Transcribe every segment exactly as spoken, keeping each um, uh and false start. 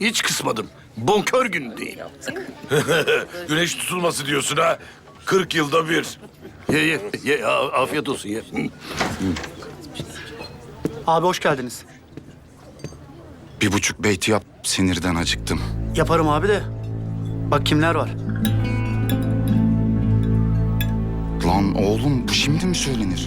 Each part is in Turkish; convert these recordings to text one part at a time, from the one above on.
Hiç kısmadım. Bonkör günündeyim. Güneş tutulması diyorsun ha. Kırk yılda bir. Ye ye ye a- afiyet olsun ye. Hı. Abi hoş geldiniz. Bir buçuk beyti yap, sinirden acıktım. Yaparım abi de. Bak kimler var. Lan oğlum, bu şimdi mi söylenir?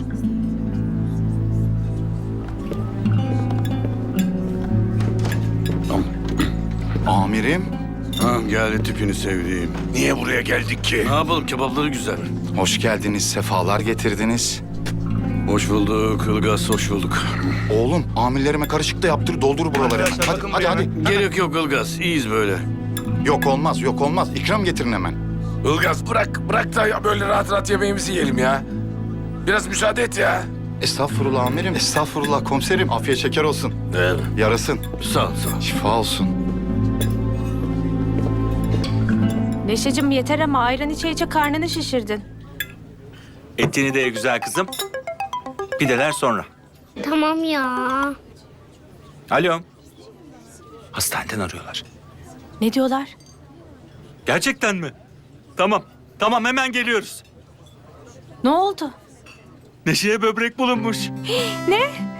Amirim, Ha, geldi tipini sevdiğim. Niye buraya geldik ki? Ne yapalım, kebapları güzel. hoş geldiniz, sefalar getirdiniz. Hoş bulduk Ilgaz, hoş bulduk. Oğlum, amirlerime karışık da yaptır, doldur buraları. Arkadaşlar, Hadi, bakın hadi, buraya. hadi. Gerek yok Ilgaz, iyiyiz böyle. Yok olmaz, yok olmaz. İkram getirin hemen. Ilgaz bırak, bırak da ya böyle rahat rahat yemeğimizi yiyelim ya. Biraz müsaade et ya. Estağfurullah amirim, estağfurullah komiserim. Afiyet şeker olsun. Evet. Yarasın, Sağ ol, sağ ol. şifa olsun. Neşeciğim yeter ama ayran içe içe karnını şişirdin. Etini de ye güzel kızım. Pideler sonra. Tamam ya. Alo. Hastaneden arıyorlar. Ne diyorlar? Gerçekten mi? Tamam. Tamam hemen geliyoruz. Ne oldu? Neşe'ye böbrek bulunmuş. Ne?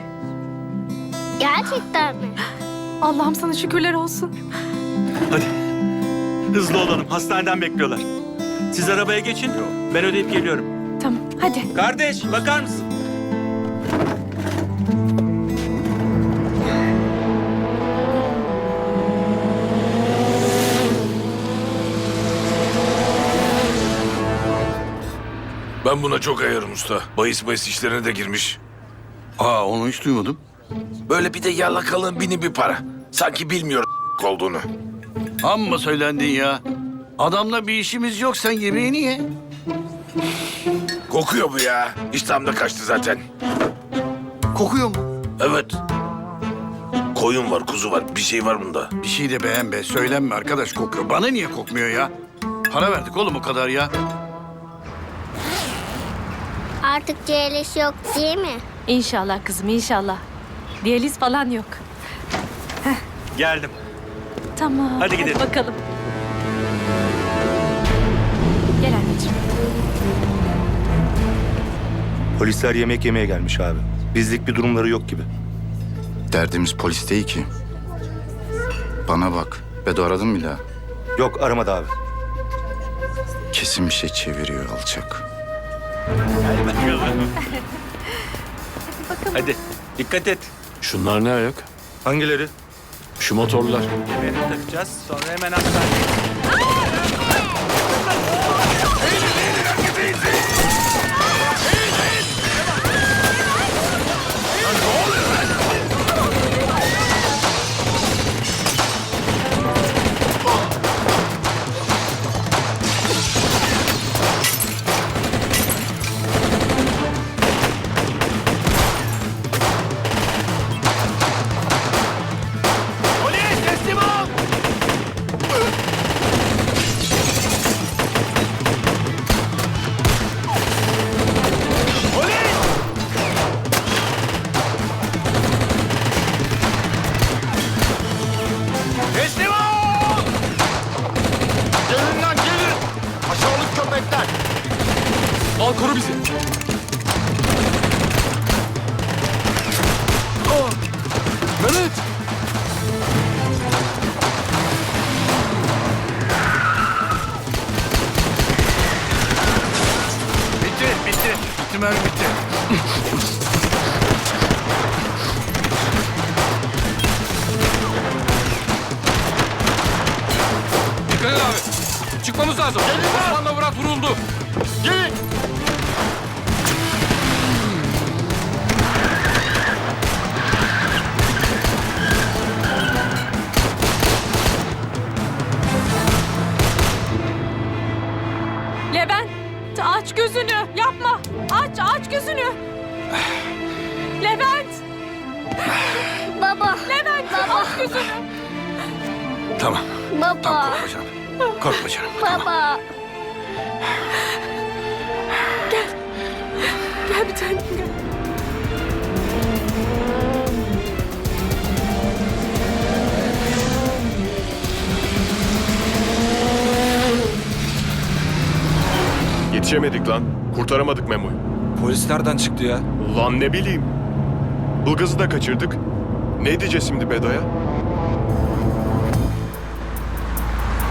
Gerçekten mi? Allah'ım sana şükürler olsun. Hadi. Hızlı olalım. Hastaneden bekliyorlar. Siz arabaya geçin. Ben ödeyip geliyorum. Tamam hadi. Kardeş bakar mısın? Ben buna çok ayarım usta. Bahis bahis işlerine de girmiş. Aa, onu hiç duymadım. Böyle bir de yalakalığın bini bir para. Sanki bilmiyor olduğunu. Amma söylendin ya. Adamla bir işimiz yok, sen yemeğini ye. Kokuyor bu ya. İştahım da kaçtı zaten. Kokuyor mu? Evet. Koyun var, kuzu var. Bir şey var bunda. Bir şey de beğen be, söylenme arkadaş, kokuyor. Bana niye kokmuyor ya? Para verdik oğlum o kadar ya. Artık C L S yok değil mi? İnşallah kızım inşallah. Diyaliz falan yok. Geldim. Tamam. Hadi gidelim. bakalım. Gel anneciğim. Polisler yemek yemeye gelmiş abi. Bizlik bir durumları yok gibi. Derdimiz polis değil ki. Bana bak, Bedo aradın mı bir daha? Yok aramadı abi. Kesin bir şey çeviriyor alçak. Hadi bakalım. Hadi. Dikkat et. Şunlar ne ayak? Hangileri? Şu motorlar. Kemerini takacağız. Sonra hemen hastaneye. Al koru bizi. Aa, Mehmet. Bitti, bitti. Bitti mermi bitti. Dikkat et abi. Çıkmamız lazım. Osman'la Murat vuruldu. Gelin. Levent aç gözünü yapma. Aç aç gözünü. Levent. Baba. Levent aç gözünü. Tamam, tamam Baba. korkma canım. Korkma canım. Baba. Gel bir tanem gel. Yetişemedik lan. Kurtaramadık Memo'yu. Polis nereden çıktı ya? Ulan ne bileyim. Ilgaz'ı da kaçırdık. Ne diyeceğiz şimdi Bedo'ya?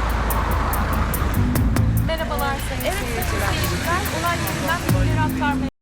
Merhabalar sayın seyirciler. Olay yerinden bilgileri aktarmaya